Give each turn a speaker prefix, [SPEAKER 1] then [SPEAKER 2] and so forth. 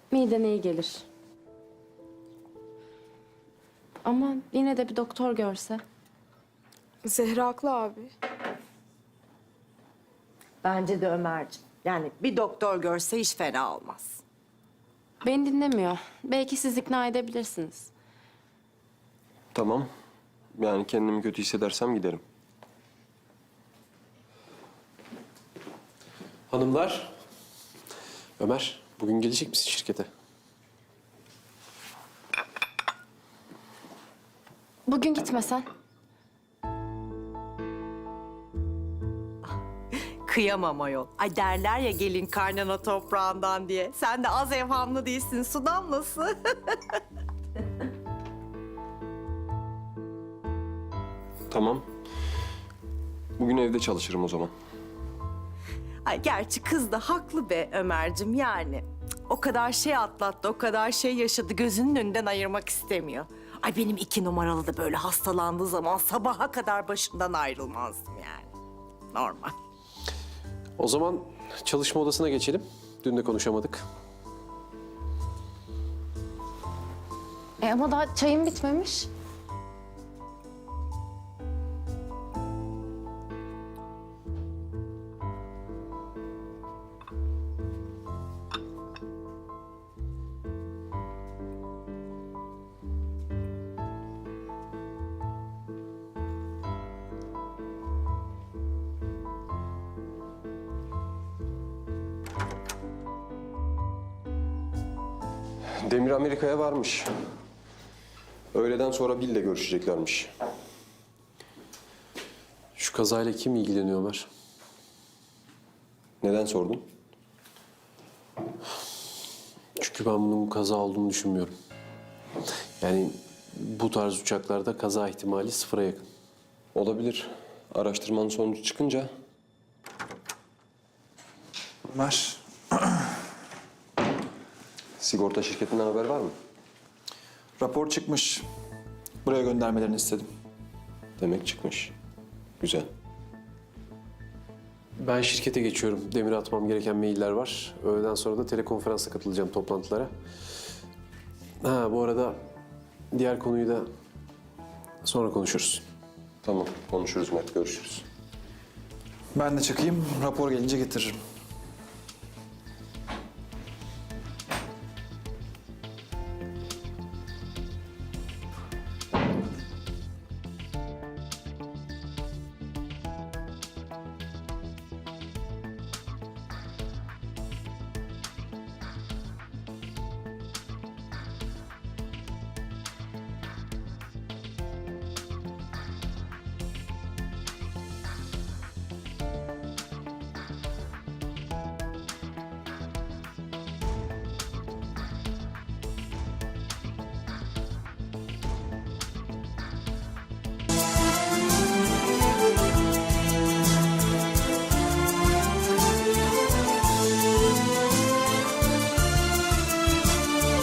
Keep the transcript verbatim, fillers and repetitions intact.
[SPEAKER 1] midene iyi gelir. Ama yine de bir doktor görse.
[SPEAKER 2] Zehra haklı abi.
[SPEAKER 3] Bence de Ömerciğim. Yani bir doktor görse hiç fena olmaz.
[SPEAKER 1] Beni dinlemiyor. Belki siz ikna edebilirsiniz.
[SPEAKER 4] Tamam. Yani kendimi kötü hissedersem giderim.
[SPEAKER 5] Hanımlar, Ömer, bugün gelecek misin şirkete?
[SPEAKER 1] Bugün gitmesen.
[SPEAKER 3] Kıyamam ayol. Ay derler ya gelin kaynana toprağından diye. Sen de az evhamlı değilsin. Su damlası.
[SPEAKER 4] Tamam. Bugün evde çalışırım o zaman.
[SPEAKER 3] Ay gerçi kız da haklı be Ömerciğim yani. Cık, o kadar şey atlattı, o kadar şey yaşadı. Gözünün önünden ayırmak istemiyor. Ay benim iki numaralı da böyle hastalandığı zaman sabaha kadar başından ayrılmazdım yani. Normal.
[SPEAKER 5] O zaman çalışma odasına geçelim. Dün de konuşamadık.
[SPEAKER 1] E ama daha çayım bitmemiş.
[SPEAKER 4] Demir Amerika'ya varmış. Öğleden sonra Bill'le görüşeceklermiş.
[SPEAKER 5] Şu kazayla kim ilgileniyor Ömer?
[SPEAKER 4] Neden sordun?
[SPEAKER 5] Çünkü ben bunun kaza olduğunu düşünmüyorum. Yani bu tarz uçaklarda kaza ihtimali sıfıra yakın.
[SPEAKER 4] Olabilir. Araştırmanın sonucu çıkınca
[SPEAKER 6] Ömer,
[SPEAKER 4] sigorta şirketinden haber var mı?
[SPEAKER 6] rapor çıkmış. Buraya göndermelerini istedim.
[SPEAKER 4] Demek çıkmış. Güzel.
[SPEAKER 5] Ben şirkete geçiyorum. Demir'e atmam gereken mailler var. Öğleden sonra da telekonferansa katılacağım toplantılara. Ha bu arada diğer konuyu da sonra konuşuruz.
[SPEAKER 4] Tamam. Konuşuruz Mert. Görüşürüz.
[SPEAKER 6] Ben de çıkayım, rapor gelince getiririm.